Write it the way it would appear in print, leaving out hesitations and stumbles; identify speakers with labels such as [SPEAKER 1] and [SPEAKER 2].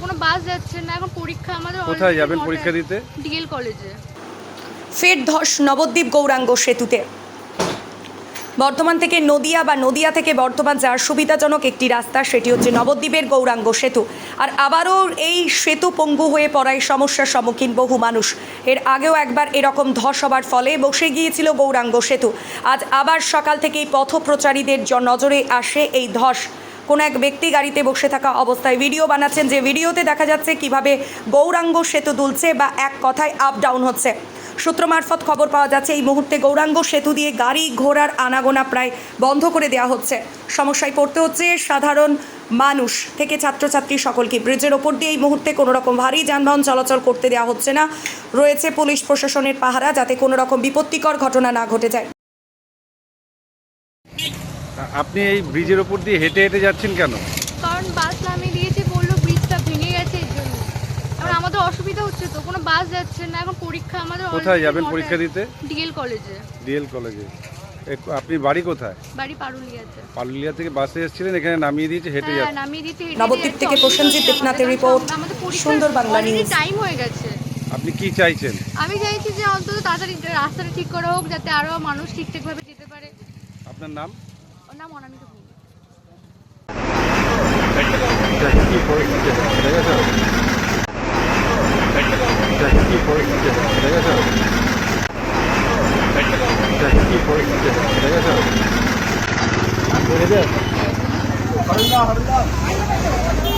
[SPEAKER 1] কোনো বাস যাচ্ছে না, এখন পরীক্ষা আমাদের।
[SPEAKER 2] কোথায় যাবেন পরীক্ষা দিতে?
[SPEAKER 1] ডিএল কলেজে।
[SPEAKER 3] ফের ধস নবদ্বীপ গৌরাঙ্গ সেতুতে। বর্ধমান থেকে নদিয়া বা নদিয়া থেকে বর্ধমান যাওয়ার সুবিধাজনক একটি রাস্তা, সেটি হচ্ছে নবদ্বীপের গৌরাঙ্গ সেতু। আর আবারও এই সেতু পঙ্গু হয়ে পড়ায় সমস্যার সম্মুখীন বহু মানুষ। এর আগেও একবার এরকম ধস হবার ফলে বসে গিয়েছিল গৌরাঙ্গ সেতু। আজ আবার সকাল থেকেই পথপ্রচারীদের নজরে আসে এই ধস। কোনো এক ব্যক্তি গাড়িতে বসে থাকা অবস্থায় ভিডিও বানাচ্ছেন, যে ভিডিওতে দেখা যাচ্ছে কিভাবে গৌরাঙ্গ সেতু দুলছে বা এক কথায় আপ ডাউন হচ্ছে। সূত্র মারফত খবর পাওয়া যাচ্ছে এই মুহূর্তে গৌরাঙ্গ সেতু দিয়ে গাড়ি ঘোড়ার আনাগোনা প্রায় বন্ধ করে দেওয়া হচ্ছে। সমস্যায় পড়তে হচ্ছে সাধারণ মানুষ থেকে ছাত্রছাত্রী সকলকে। ব্রিজের ওপর দিয়ে এই মুহূর্তে কোনো রকম ভারী যানবাহন চলাচল করতে দেওয়া হচ্ছে না। রয়েছে পুলিশ প্রশাসনের পাহারা, যাতে কোনো রকম বিপত্তিকর ঘটনা না ঘটে যায়।
[SPEAKER 2] আপনি এই ব্রিজের ওপর দিয়ে হেঁটে হেঁটে যাচ্ছেন কেন?
[SPEAKER 1] কারণ বাস নামিয়ে দিয়েছে, বললো ব্রিজটা ভেঙে গেছে, এর জন্য। এখন আমাদের অসুবিধা হচ্ছে তো, কোনো বাস যাচ্ছে না, এখন পরীক্ষা আমাদের।
[SPEAKER 2] কোথায় যাবেন পরীক্ষা দিতে?
[SPEAKER 1] ডিএল কলেজে।
[SPEAKER 2] ডিএল কলেজে। আপনি বাড়ি কোথায়?
[SPEAKER 1] বাড়ি পারুলিয়াতে।
[SPEAKER 2] পারুলিয়া থেকে বাসে এসেছিলেন, এখানে নামিয়ে দিয়েছে, হেঁটে
[SPEAKER 1] হ্যাঁ,
[SPEAKER 2] যাচ্ছেন।
[SPEAKER 1] নামিয়ে দিতে
[SPEAKER 3] নবদ্বীপ থেকে প্রসেনজিৎ দেবনাথের রিপোর্ট, সুন্দর বাংলা নিউজ।
[SPEAKER 1] টাইম হয়ে গেছে।
[SPEAKER 2] আপনি কি চাইছেন?
[SPEAKER 1] আমি চাইছি যে অন্তত তাড়াতাড়ি রাস্তাটা ঠিক করা হোক, যাতে আরো মানুষ ঠিকঠাকভাবে যেতে পারে।
[SPEAKER 2] আপনার নাম?
[SPEAKER 1] ওর নাম অনামিকা ভৌমিক।
[SPEAKER 2] কি পরিস্থিতি কি পরিস্থিতি কি পরিস্থিতি